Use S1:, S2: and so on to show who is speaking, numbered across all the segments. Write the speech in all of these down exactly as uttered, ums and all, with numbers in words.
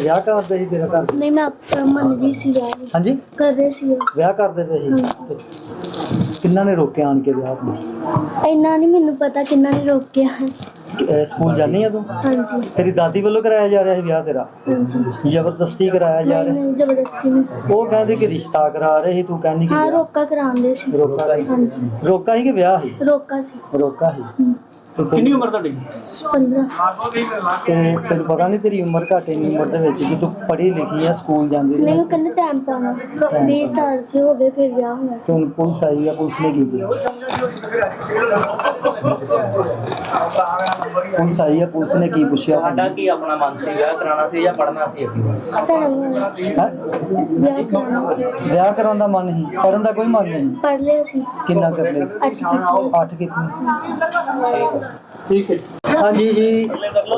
S1: ਵਿਆਹ ਕਰਦੇ ਸੀ ਤੇਰਾ ਘਰ?
S2: नहीं मैं आप मन गई सी विआह
S1: ਹਾਂਜੀ
S2: कर रहे सी
S1: ਵਿਆਹ ਕਰਦੇ ਪਏ ਸੀ। ਕਿੰਨਾ ਨੇ ਰੋਕਿਆ ਆਣ ਕੇ ਵਿਆਹ ਨੂੰ?
S2: इन्ना नहीं मैनू पता किन्ना ने रोकिया।
S1: ਅਹ ਸਕੂਲ ਜਾਂਦੀ ਆ ਤੂੰ?
S2: हाँ जी
S1: ਤੇਰੀ ਦਾਦੀ ਵੱਲੋਂ ਕਰਾਇਆ ਜਾ ਰਿਹਾ ਸੀ ਵਿਆਹ ਤੇਰਾ?
S2: हाँ जी
S1: ਜ਼ਬਰਦਸਤੀ ਕਰਾਇਆ ਜਾ
S2: नहीं
S1: ਰਿਹਾ?
S2: नहीं जबरदस्ती नहीं।
S1: ਉਹ ਕਹਿੰਦੇ ਕਿ ਰਿਸ਼ਤਾ ਕਰਾ ਰਹੇ ਸੀ, ਤੂੰ ਕਹਿੰਦੀ ਕਿ
S2: हाँ
S1: ਵਿਆਹ।
S2: रोका करांदे सी।
S1: ਰੋਕਾ ਸੀ?
S2: हाँ जी
S1: ਰੋਕਾ ਸੀ ਕਿ ਵਿਆਹ ਸੀ?
S2: रोका सी।
S1: ਰੋਕਾ ਸੀ।
S2: हम्म,
S1: ਕਿੰਨੀ ਉਮਰ ਤੁਹਾਡੀ?
S2: पंद्रह।
S1: ਤੇ ਤੈਨੂੰ ਪਤਾ ਨਹੀਂ ਤੇਰੀ ਉਮਰ ਘੱਟ ਇੰਨੀ ਉਮਰ ਦੇ ਵਿੱਚ ਕਿ ਤੂੰ ਪੜ੍ਹੀ ਲਿਖੀ ਆ, ਸਕੂਲ ਜਾਂਦੀ
S2: नहीं
S1: ਰਹੀ?
S2: वो कहने टाइम पाना बीस साल से हो गए फिर विआह होना
S1: ਤੇ ਹੁਣ ਪੁਲਿਸ ਆਈ ਆ, ਪੁਲਿਸ ਨੇ ਕੀ ਕੀਤਾ? ਪੁਲਿਸ ਆਈ ਆ, ਪੁਲਿਸ ਨੇ ਕੀ ਪੁੱਛਿਆ?
S3: ਤੁਹਾਡਾ ਕੀ ਆਪਣਾ ਮਨ ਸੀ, ਵਿਆਹ ਕਰਾਉਣਾ ਸੀ ਜਾਂ ਪੜ੍ਹਨਾ ਸੀ ਅੱਗੇ?
S2: सारा होना सी।
S1: ਹੈਂ?
S2: विआह कराना सी।
S1: ਵਿਆਹ ਕਰਾਉਣ ਦਾ ਮਨ ਨਹੀਂ, ਪੜ੍ਹਨ ਦਾ ਕੋਈ ਮਨ ਨਹੀਂ?
S2: पढ़ लिया सी।
S1: ਕਿੰਨਾ ਕਰ ਲਿਆ?
S2: अच्छी कितनी
S1: ਅੱਠ ਕਿਤਨੀ? ਠੀਕ ਹੈ। ਹਾਂਜੀ ਜੀ।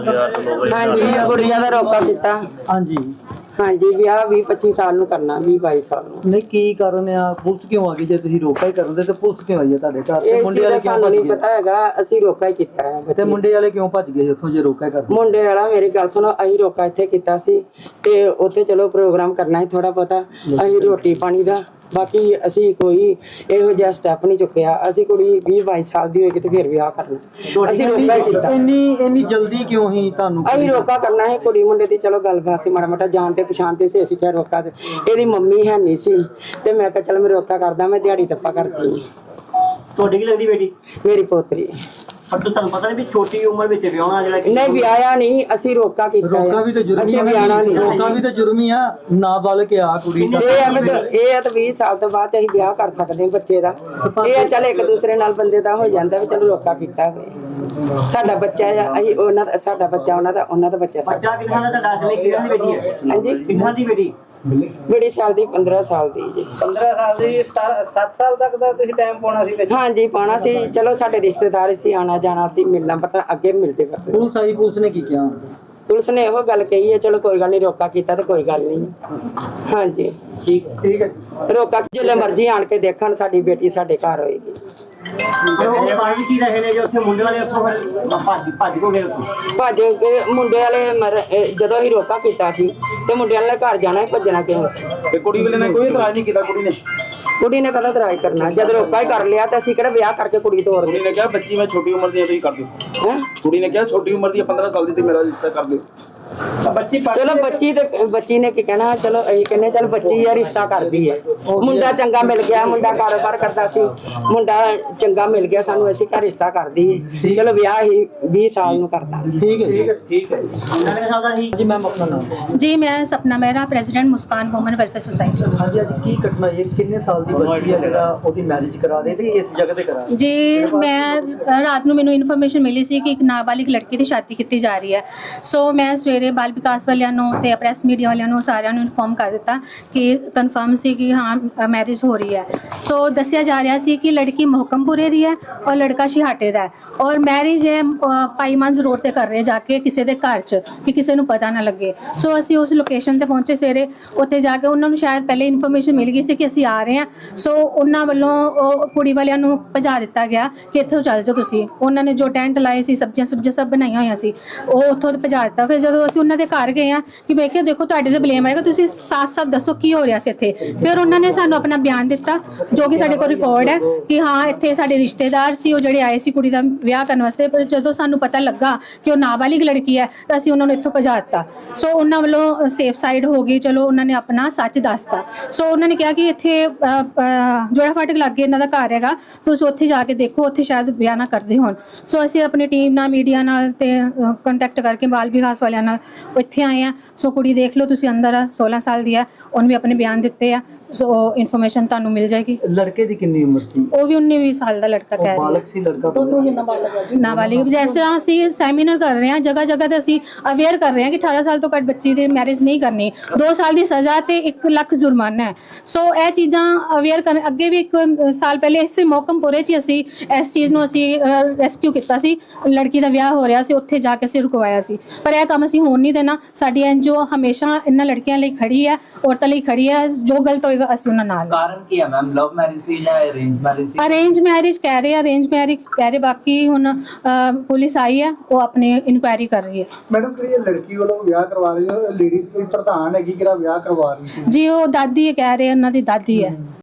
S4: ਹਾਂਜੀ ਕੁੜੀਆਂ ਦਾ ਰੋਕਾ ਕੀਤਾ।
S1: ਹਾਂਜੀ
S4: ਹਾਂਜੀ ਵਿਆਹ ਵੀਹ ਪੱਚੀ ਸਾਲ ਨੂੰ ਕਰਨਾ, ਵੀਹ ਬਾਈ ਸਾਲ ਨੂੰ।
S1: ਨਹੀਂ ਕੀ ਕਾਰਨ ਆ? ਪੁਲਿਸ ਕਿਉਂ ਆ ਗਈ? ਜੇ ਤੁਸੀਂ ਰੋਕਾ ਹੀ ਕਰਨ ਦੇ ਤੇ ਪੁਲਿਸ ਕਿਉਂ ਆਈ ਆ ਤੁਹਾਡੇ ਘਰ? ਤੇ
S4: ਇਹ
S1: ਮੁੰਡੇ
S4: ਚੀਜ਼
S1: ਵਾਲੇ
S4: ਦਾ
S1: ਕਿਉਂ
S4: ਸਾਨੂੰ
S1: ਭੱਜ
S4: ਨਹੀਂ
S1: ਗਏ?
S4: ਪਤਾ ਹੈਗਾ, ਅਸੀਂ ਰੋਕਾ ਹੀ ਕੀਤਾ ਹੈ।
S1: ਤੇ ਮੁੰਡੇ ਵਾਲੇ ਕਿਉਂ ਭੱਜ ਗਏ ਉੱਥੋਂ ਜੇ ਰੋਕਾ ਹੀ ਕਰਦੇ?
S4: ਮੁੰਡੇ ਵਾਲਾ ਮੇਰੀ ਗੱਲ ਸੁਣੋ, ਅਸੀਂ ਰੋਕਾ ਇੱਥੇ ਕੀਤਾ ਸੀ ਤੇ ਉੱਥੇ ਚਲੋ ਪ੍ਰੋਗਰਾਮ ਕਰਨਾ ਹੈ ਥੋੜਾ ਬਹੁਤਾ, ਅਸੀਂ ਰੋਟੀ ਪਾਣੀ ਦਾ, ਬਾਕੀ ਅਸੀਂ ਕੋਈ ਇਹੋ ਜਿਹਾ ਸਟੈਪ ਨਹੀਂ ਚੁੱਕਿਆ। ਅਸੀਂ ਕੁੜੀ ਵੀਹ ਬਾਈ ਸਾਲ ਦੀ ਹੋਏਗੀ ਤੇ ਫਿਰ ਵਿਆਹ ਕਰਨਾ, ਅਸੀਂ ਰੋਕਾ ਹੀ ਕੀਤਾ।
S1: ਇੰਨੀ ਇੰਨੀ ਜਲਦੀ ਕਿਉਂ ਹੀ ਤੁਹਾਨੂੰ?
S4: ਅਸੀਂ ਰੋਕਾ ਕਰਨਾ ਹੈ ਕੁੜੀ ਮੁੰਡੇ ਦੀ, ਚਲੋ ਗੱਲਬਾਤ ਸੀ ਮਾੜਾ ਮਾੜਾ ਜਾਣ ਤੇ ਪਛਾਣ ਤੇ ਸੀ, ਅਸੀਂ ਕਿਹਾ ਰੋਕਾ। ਤੇ ਇਹਦੀ ਮੰਮੀ ਹੈ ਨਹੀਂ ਸੀ ਤੇ ਮੈਂ ਕਿਹਾ ਚਲ ਮੈਂ ਰੋਕਾ ਕਰਦਾ, ਮੈਂ ਦਿਹਾੜੀ ਤੱਪਾ ਕਰਦੀ।
S1: ਤੁਹਾਡੀ ਕੀ ਲੱਗਦੀ ਬੇਟੀ?
S4: ਮੇਰੀ ਪੋਤਰੀ।
S1: ਪਰ ਤੁਹਾਨੂੰ ਪਤਾ ਨਹੀਂ ਵੀ ਛੋਟੀ ਉਮਰ ਵਿੱਚ ਵਿਆਹਣਾ ਜਿਹੜਾ
S4: ਨਹੀਂ ਵਿਆਹਿਆ ਨਹੀਂ, ਅਸੀਂ ਰੋਕਾ ਕੀਤਾ ਹੈ।
S1: ਰੋਕਾ ਵੀ ਤੇ ਜੁਰਮ ਹੀ
S4: ਅਸੀਂ
S1: ਆ।
S4: ਵਿਆਹਣਾ ਨਹੀਂ।
S1: ਰੋਕਾ ਵੀ ਤੇ ਜੁਰਮ ਹੀ ਆ। ਨਾਬਾਲਗ ਆ ਕੁੜੀ ਦਾ।
S4: ਇਹ ਆ ਵੀ ਤਾਂ- ਇਹ ਆ ਤਾਂ ਵੀਹ ਸਾਲ ਤੋਂ ਬਾਅਦ 'ਚ ਅਸੀਂ ਵਿਆਹ ਕਰ ਸਕਦੇ ਹਾਂ ਬੱਚੇ ਦਾ। ਇਹ ਆ ਚੱਲ ਇੱਕ ਦੂਸਰੇ ਨਾਲ ਬੰਦੇ ਦਾ ਹੋ ਜਾਂਦਾ ਵੀ ਚਲੋ ਰੋਕਾ ਕੀਤਾ ਹੋਵੇ। ਸਾਡਾ ਬੱਚਾ ਆ, ਅਸੀਂ ਉਹਨਾਂ ਦਾ, ਸਾਡਾ ਬੱਚਾ ਉਹਨਾਂ ਦਾ, ਉਹਨਾਂ ਦਾ ਬੱਚਾ ਸਾਡਾ।
S1: ਬੱਚਾ ਕਿੰਨਾ ਦਾ ਤੁਹਾਡਾ? ਅਸਲੀ ਕਿੰਨਾ ਦੀ ਬੇਟੀ ਹੈ?
S4: ਹਾਂਜੀ
S1: ਕਿੰਨਾ ਦੀ ਬੇਟੀ?
S4: ਬੜੀ ਸਾਲ ਦੀ, ਪੰਦਰਾਂ ਸਾਲ ਦੀ ਜੀ।
S3: ਪੰਦਰਾਂ ਸਾਲ ਦੀ, ਸੱਤ ਸਾਲ ਤੱਕ ਦਾ ਤੁਸੀਂ ਟਾਈਮ ਪਾਉਣਾ ਸੀ ਵਿੱਚ?
S4: ਹਾਂਜੀ ਪਾਉਣਾ ਸੀ, ਚਲੋ ਸਾਡੇ ਰਿਸ਼ਤੇਦਾਰ ਸੀ, ਆਣਾ ਜਾਣਾ ਸੀ, ਮਿਲਣਾ ਪਤਾ ਅੱਗੇ ਮਿਲਦੇ ਕਰਦੇ।
S1: ਪੁਲਿਸ ਆਈ, ਪੁਲਿਸ ਨੇ ਕੀ ਕਿਹਾ?
S4: ਪੁਲਿਸ ਨੇ ਇਹੋ ਗੱਲ ਕਹੀ ਹੈ ਚਲੋ ਕੋਈ ਗੱਲ ਨਹੀਂ, ਰੋਕਾ ਕੀਤਾ ਤੇ ਕੋਈ ਗੱਲ ਨਹੀਂ। ਹਾਂਜੀ
S1: ਠੀਕ ਠੀਕ ਹੈ।
S4: ਰੋਕਾ ਜਿੱਲੇ ਮਰਜ਼ੀ ਆਣ ਕੇ ਦੇਖਣ, ਸਾਡੀ ਬੇਟੀ ਸਾਡੇ ਘਰ ਹੋਏਗੀ।
S1: ਉਹ ਪਾਣੀ ਕੀ ਰਹੇ ਨੇ ਜੋ ਉੱਥੇ ਮੁੰਡੇ ਵਾਲੇ ਉੱਥੋਂ ਫਿਰ ਭੱਜ ਭੱਜ ਕੋ ਗਏ ਉੱਥੋਂ?
S4: ਭੱਜ ਕੇ ਮੁੰਡੇ ਵਾਲੇ ਮਰ ਇਹ ਜਦੋਂ ਅਸੀਂ ਰੋਕਾ ਕੀਤਾ ਸੀ ਤੇ ਮੁੰਡੇ ਵਾਲੇ ਘਰ ਜਾਣਾ ਸੀ, ਭੱਜਣਾ ਕਿਉਂ ਸੀ?
S1: ਤੇ ਕੁੜੀ ਵਾਲੇ ਨੇ ਕੋਈ ਇਤਰਾਜ਼ ਨਹੀਂ ਕੀਤਾ? ਕੁੜੀ ਨੇ
S4: ਕੁੜੀ ਨੇ ਕਦਾ ਤਰਾਜ ਕਰਨਾ, ਜਦ ਰੋਕਾ ਹੀ ਕਰ ਲਿਆ ਤਾਂ ਅਸੀਂ ਕਿਹੜਾ ਵਿਆਹ ਕਰਕੇ ਕੁੜੀ ਤੋਰ
S5: ਕੁੜੀ ਨੇ ਕਿਹਾ ਬੱਚੀ ਮੈਂ ਛੋਟੀ ਉਮਰ ਦੀ ਆ, ਤੁਸੀਂ ਕਰ ਦਿਓ।
S4: ਹੈ
S5: ਕੁੜੀ ਨੇ ਕਿਹਾ ਛੋਟੀ ਉਮਰ ਦੀ ਆ, ਪੰਦਰਾਂ ਸਾਲ ਦੀ, ਤੇ ਮੇਰਾ ਰਿਸ਼ਤਾ ਕਰ ਦਿਓ।
S3: ਬੱਚੀ
S4: ਚਲੋ ਬੱਚੀ ਤੇ ਬੱਚੀ ਨੇ ਕੀ ਕਹਿਣਾ, ਚਲੋ ਅਸੀਂ ਕਹਿੰਦੇ ਚਲ ਬੱਚੀ ਆ ਰਿਸ਼ਤਾ ਕਰਦੀ ਹੈ, ਮੁੰਡਾ ਚੰਗਾ ਮਿਲ ਗਿਆ, ਮੁੰਡਾ ਕਾਰੋਬਾਰ ਕਰਦਾ ਸੀ, ਮੁੰਡਾ ਚੰਗਾ ਮਿਲ ਗਿਆ ਸਾਨੂੰ, ਅਸੀਂ ਘਰ ਰਿਸ਼ਤਾ ਕਰਦੀ ਹੈ, ਚਲੋ ਵਿਆਹ ਹੀ ਵੀਹ ਸਾਲ ਨੂੰ ਕਰਦਾ।
S1: ਠੀਕ ਹੈ ਠੀਕ ਹੈ। ਜੀ ਮੈਮ ਆਪਣਾ ਨਾਮ?
S6: जी मैं Sapna Mehra, president Muskan women welfare society.
S1: ਹਾਂਜੀ ਅੱਜ ਕੀ ਘਟਨਾ ਇਹ? ਕਿੰਨੇ ਸਾਲ ਦੀ ਬੱਚੀ ਹੈ ਜਿਹੜਾ ਉਹਦੀ ਮੈਰਿਜ ਕਰਾ ਰਹੇ ਤੇ ਕਿਸ ਜਗ੍ਹਾ ਤੇ ਕਰਾ ਰਹੇ?
S6: ਜੀ ਮੈਂ ਰਾਤ ਨੂੰ ਮੈਨੂੰ ਇਨਫੋਰਮੇਸ਼ਨ ਮਿਲੀ ਸੀ ਕਿ ਇੱਕ ਨਾਬਾਲਿਗ ਲੜਕੀ ਦੀ ਸ਼ਾਦੀ ਕੀਤੀ ਜਾ ਰਹੀ ਹੈ। ਸੋ ਮੈਂ ਸਵੇਰੇ ਬਾਲ ਵਿਕਾਸ ਵਾਲਿਆਂ ਨੂੰ ਤੇ ਪ੍ਰੈਸ ਮੀਡੀਆ ਵਾਲਿਆਂ ਨੂੰ ਸਾਰਿਆਂ ਨੂੰ ਇਨਫੋਰਮ ਕਰ ਦਿੱਤਾ ਕਿ ਕਨਫਰਮ ਸੀ ਕਿ ਹਾਂ ਮੈਰਿਜ ਹੋ ਰਹੀ ਹੈ। ਸੋ ਦੱਸਿਆ ਜਾ ਰਿਹਾ ਸੀ ਕਿ ਲੜਕੀ ਮੁਹਕਮਪੁਰੇ ਦੀ ਹੈ ਔਰ ਲੜਕਾ ਸ਼ਿਹਾਟੇ ਦਾ ਹੈ ਔਰ ਮੈਰਿਜ ਹੈ ਭਾਈ ਮੰਜ ਰੋਡ ਤੇ ਕਰ ਰਹੇ ਜਾ ਕੇ ਕਿਸੇ ਦੇ ਘਰ 'ਚ ਕਿ ਕਿਸੇ ਨੂੰ ਪਤਾ ਨਾ ਲੱਗੇ। ਸੋ ਅਸੀਂ ਉਸ ਲੋਕੇਸ਼ਨ ਤੇ ਪਹੁੰਚੇ ਸਵੇਰੇ, ਉੱਥੇ ਜਾ ਕੇ ਉਹਨਾਂ ਨੂੰ ਸ਼ਾਇਦ ਪਹਿਲੇ ਇਨਫੋਰਮੇਸ਼ਨ ਮਿਲ ਗਈ ਸੀ ਕਿ ਅਸੀਂ ਆ ਰਹੇ ਹਾਂ। ਸੋ ਉਹਨਾਂ ਵੱਲੋਂ ਉਹ ਕੁੜੀ ਵਾਲਿਆਂ ਨੂੰ ਭਜਾ ਦਿੱਤਾ ਗਿਆ ਕਿ ਇੱਥੋਂ ਚੱਲ ਜਾਓ ਤੁਸੀਂ। ਉਹਨਾਂ ਨੇ ਜੋ ਟੈਂਟ ਲਾਏ ਸੀ, ਸਬਜ਼ੀਆਂ ਸੁਬਜ਼ੀਆਂ ਸਭ ਬਣਾਈਆਂ ਹੋਈਆਂ ਸੀ, ਉਹ ਉੱਥੋਂ ਭਜਾ ਦਿੱਤਾ। ਫਿਰ ਜਦੋਂ ਅਸੀਂ ਉਹਨਾਂ ਦੇ ਘਰ ਗਏ ਆ ਕਿ ਮੈਂ ਕਿਹਾ ਦੇਖੋ ਤੁਹਾਡੇ ਤੇ ਬਲੇਮ ਆਏਗਾ, ਤੁਸੀਂ ਸਾਫ਼-ਸਾਫ਼ ਦੱਸੋ ਕੀ ਹੋ ਰਿਹਾ ਸੀ ਇੱਥੇ। ਫਿਰ ਉਹਨਾਂ ਨੇ ਸਾਨੂੰ ਆਪਣਾ ਬਿਆਨ ਦਿੱਤਾ ਜੋ ਕਿ ਸਾਡੇ ਕੋਲ ਰਿਕਾਰਡ ਹੈ ਕਿ ਹਾਂ ਇੱਥੇ ਸਾਡੇ ਰਿਸ਼ਤੇਦਾਰ ਸੀ ਉਹ ਜਿਹੜੇ ਆਏ ਸੀ ਕੁੜੀ ਦਾ ਵਿਆਹ ਕਰਨ ਵਾਸਤੇ, ਪਰ ਜਦੋਂ ਸਾਨੂੰ ਪਤਾ ਲੱਗਾ ਕਿ ਉਹ ਨਾਬਾਲਿਗ ਲੜਕੀ ਹੈ ਤਾਂ ਅਸੀਂ ਉਹਨਾਂ ਨੂੰ ਇੱਥੋਂ ਭਜਾ ਦਿੱਤਾ। ਸੋ ਉਹਨਾਂ ਵੱਲੋਂ ਸੇਫ ਸਾਈਡ ਹੋ ਗਈ, ਚਲੋ ਉਹਨਾਂ ਨੇ ਆਪਣਾ ਸੱਚ ਦੱਸਤਾ। ਸੋ ਉਹਨਾਂ ਨੇ ਕਿਹਾ ਕਿ ਇੱਥੇ ਜੋੜਾ ਫਾਟਕ ਲੱਗੇ ਇਹਨਾਂ ਦਾ ਘਰ ਹੈਗਾ, ਤੁਸੀਂ ਉੱਥੇ ਜਾ ਕੇ ਦੇਖੋ, ਉੱਥੇ ਸ਼ਾਇਦ ਵਿਆਹ ਨਾ ਕਰਦੇ ਹੋਣ। ਸੋ ਅਸੀਂ ਆਪਣੀ ਟੀਮ ਨਾਲ, ਮੀਡੀਆ ਨਾਲ ਤੇ ਕੰਟੈਕਟ ਕਰਕੇ ਬਾਲ ਵਿਕਾਸ ਵਾਲਿਆਂ ਨਾਲ ਇੱਥੇ ਆਏ ਆ। ਸੋ ਕੁੜੀ ਦੇਖ ਲਓ ਤੁਸੀਂ, ਅੰਦਰ ਆ, ਸੋਲਾਂ ਸਾਲ ਦੀ ਹੈ, ਉਹਨੇ ਵੀ ਆਪਣੇ ਬਿਆਨ ਦਿੱਤੇ ਆ। ਸੋ ਇਨਫੋਰਮੇਸ਼ਨ ਤੁਹਾਨੂੰ ਮਿਲ ਜਾਏਗੀ।
S1: ਲੜਕੇ ਦੀ ਕਿੰਨੀ ਉਮਰ ਸੀ?
S6: ਉਹ ਵੀ ਉੱਨੀ ਵੀਹ ਸਾਲ ਦਾ ਲੜਕਾ ਕਹਿ ਰਿਹਾ।
S1: ਬਾਲਕ ਸੀ ਲੜਕਾ? ਦੋਨੋਂ ਹੀ ਨਾਬਾਲਗ।
S6: ਨਾਬਾਲਿਗ। ਜਿਸ ਤਰ੍ਹਾਂ ਅਸੀਂ ਸੈਮੀਨਾਰ ਕਰ ਰਹੇ ਹਾਂ, ਜਗ੍ਹਾ ਜਗ੍ਹਾ ਤੇ ਅਸੀਂ ਅਵੇਅਰ ਕਰ ਰਹੇ ਹਾਂ ਕਿ ਅਠਾਰਾਂ ਸਾਲ ਤੋਂ ਘੱਟ ਬੱਚੀ ਦੀ ਮੈਰਿਜ ਨਹੀਂ ਕਰਨੀ, ਦੋ ਸਾਲ ਦੀ ਸਜ਼ਾ ਤੇ ਇੱਕ ਲੱਖ ਜੁਰਮਾਨਾ ਹੈ। ਸੋ ਇਹ ਚੀਜ਼ਾਂ ਅਵੇਅਰ ਕਰਨ। ਅੱਗੇ ਵੀ ਇੱਕ ਸਾਲ ਪਹਿਲੇ ਇਸੇ ਮੋਕਮਪੁਰੇ 'ਚ ਅਸੀਂ ਇਸ ਚੀਜ਼ ਨੂੰ ਅਸੀਂ ਰੈਸਕਿਊ ਕੀਤਾ ਸੀ, ਲੜਕੀ ਦਾ ਵਿਆਹ ਹੋ ਰਿਹਾ ਸੀ, ਉੱਥੇ ਜਾ ਕੇ ਅਸੀਂ ਰੁਕਵਾਇਆ ਸੀ। ਪਰ ਇਹ ਕੰਮ ਅਸੀਂ ਹੋਣ ਨਹੀਂ ਦੇਣਾ। ਸਾਡੀ ਐਨ ਜੀ ਓ ਹਮੇਸ਼ਾ ਇਹਨਾਂ ਲੜਕੀਆਂ ਲਈ ਖੜੀ ਹੈ, ਔਰਤਾਂ ਲਈ ਖੜੀ ਹੈ। ਜੋ ਗਲਤ ਹੋਏਗਾ ਹੋਏਗਾ ਅਸੀਂ ਉਹਨਾਂ ਨਾਲ
S3: ਕਾਰਨ ਕੀ ਹੈ ਮੈਮ, ਲਵ ਮੈਰਿਜ ਸੀ ਜਾਂ ਅਰੇਂਜ ਮੈਰਿਜ ਸੀ?
S6: ਅਰੇਂਜ ਮੈਰਿਜ ਕਹਿ ਰਹੇ ਆ, ਅਰੇਂਜ ਮੈਰਿਜ ਕਹਿ ਰਹੇ, ਬਾਕੀ ਹੁਣ ਅਹ, ਪੁਲਿਸ ਆਈ ਹੈ, ਉਹ ਆਪਣੀ ਇਨਕੁਆਇਰੀ ਕਰ ਰਹੀ ਹੈ।
S7: ਮੈਡਮ ਕਿਹੜੀ ਲੜਕੀ ਵੱਲੋਂ ਵਿਆਹ ਕਰਵਾ ਰਹੀ ਹੈ, ਲੇਡੀਜ਼ ਕੋਈ ਪ੍ਰਧਾਨ ਹੈਗੀ ਕਿਹੜਾ ਵਿਆਹ ਕਰਵਾ ਰਹੀ ਸੀ?
S6: ਜੀ ਉਹ ਦਾਦੀ ਹੈ, ਕਹਿ ਰਹੇ ਉਹਨਾਂ ਦੀ ਦਾਦੀ ਹੈ।